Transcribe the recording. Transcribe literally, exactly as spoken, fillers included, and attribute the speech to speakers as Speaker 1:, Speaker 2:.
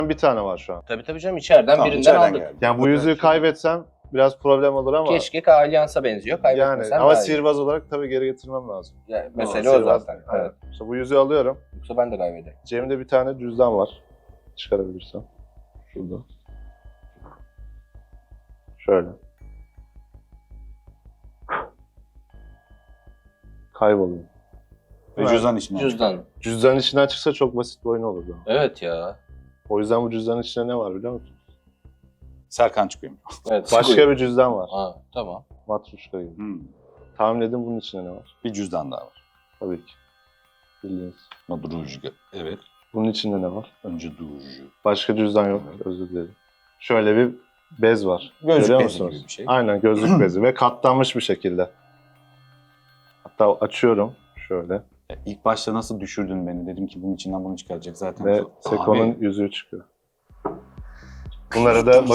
Speaker 1: Bir tane var şu an.
Speaker 2: Tabii tabii canım içeriden
Speaker 3: Tamam,
Speaker 2: birinden
Speaker 3: içeriden
Speaker 2: aldık.
Speaker 3: geldi.
Speaker 1: Yani bu yüzüğü kaybetsem biraz problem olur ama
Speaker 2: Keşke Allianz'a benziyor.
Speaker 1: yani
Speaker 2: Kaybetmesen
Speaker 1: ama
Speaker 2: daha iyi.
Speaker 1: sihirbaz olarak tabii geri getirmem lazım.
Speaker 2: Yani
Speaker 1: Ama
Speaker 2: mesele o
Speaker 1: sihirbaz-
Speaker 2: zaten.
Speaker 1: Evet.
Speaker 2: Evet.
Speaker 1: İşte bu yüzüğü alıyorum.
Speaker 2: Yoksa ben de kaybederim.
Speaker 1: Cebimde bir tane cüzdan var. Çıkarabilirsem. Şurada. Şöyle. Kayboluyor.
Speaker 3: Ve cüzdan içine.
Speaker 2: Cüzdan.
Speaker 1: Cüzdanın içinden çıksa çok basit bir oyun olurdu.
Speaker 2: Evet ya.
Speaker 1: O yüzden bu cüzdanın içinde ne var biliyor musun?
Speaker 3: Serkan çıkıyor.
Speaker 2: Evet.
Speaker 1: Başka bir cüzdan var.
Speaker 2: Ha, tamam.
Speaker 1: Matruşka gibi.
Speaker 3: Hmm.
Speaker 1: Tahmin edin bunun içinde ne var?
Speaker 3: Bir cüzdan daha var.
Speaker 1: Tabii ki. Bildiğiniz.
Speaker 3: Madruj. Evet.
Speaker 1: Bunun içinde ne var?
Speaker 3: Önce durucu.
Speaker 1: Başka cüzdan yok. Özür dilerim. Şöyle bir bez var.
Speaker 3: Gözlük
Speaker 1: Görüyor
Speaker 3: bezi
Speaker 1: musunuz?
Speaker 3: gibi bir şey.
Speaker 1: Aynen gözlük bezi ve katlanmış bir şekilde. Hatta açıyorum şöyle
Speaker 3: Ya İlk başta nasıl düşürdün beni? Dedim ki bunun içinden bunu çıkaracak zaten.
Speaker 1: ve
Speaker 3: Abi,
Speaker 1: Seko'nun yüzüğü çıkıyor. Bunları da